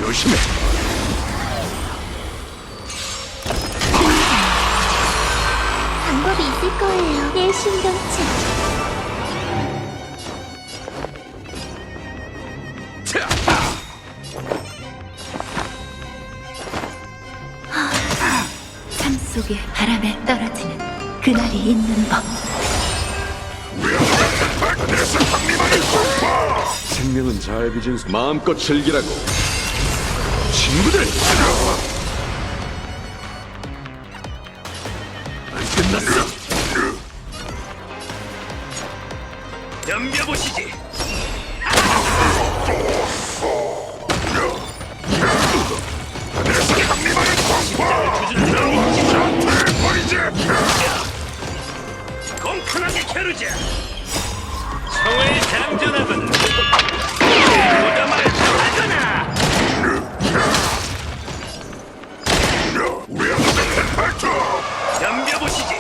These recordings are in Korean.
조심해. 방법이 있을 거예요. 내 신경체. 삶 속에 바람에 떨어지는 그날이 있는 법. 생명은 잘 빚은 마음껏 즐기라고. 친구들! 안 끝났어! 덤벼보시지! 공평하게 겨루자! 청의 장전압은 무덤을 하거나! 덤벼보시지!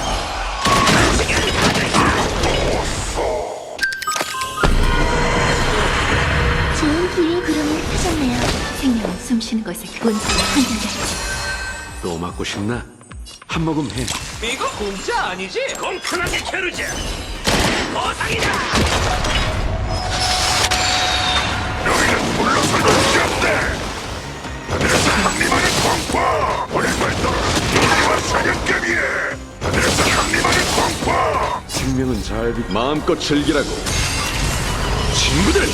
좋은 기회 구름을 타셨네요. 생명은 숨쉬는 것에 본성을 한결같이. 또 맞고 싶나? 한 모금 해. 이거 공짜 아니지? 공평하게 겨루자! 보상이다! 너희는 물러설 것이 없대! 하늘에서 강림하는 광파! 오랜만에 떨어진 우리와 사냥감이에! 하늘에서 강림하는 광파! 생명은 잘 빚... 마음껏 즐기라고! 친구들!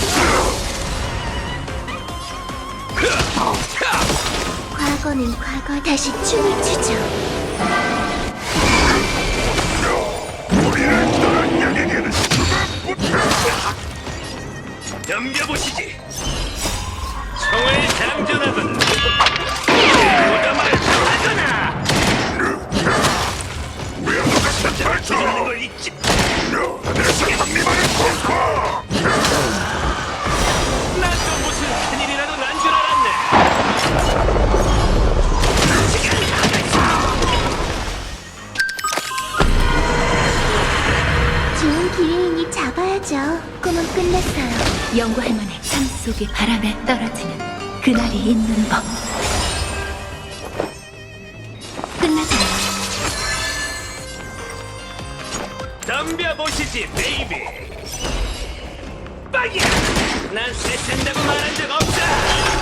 과거는 과거. 다시 춤을 추죠. 우리를 떠난 양에게는 수박부터! 덤벼보시지! 청의 장전압은 무덤을 하거나! 왜 아무것도 발전! 걸 잊지! 하늘에서 강림하는 공포! 난 또 무슨 큰일이라도 난 줄 알았네. 좋은 기회이니 잡아야죠. 꿈은 끝났어요. 연구할 만해. 삶 속에 바람에 떨어지는 그날이 있는 법. 끝나지 않아. 덤벼보시지, 베이비. 빵이야! 난 쎄쓴다고 말한 적 없어!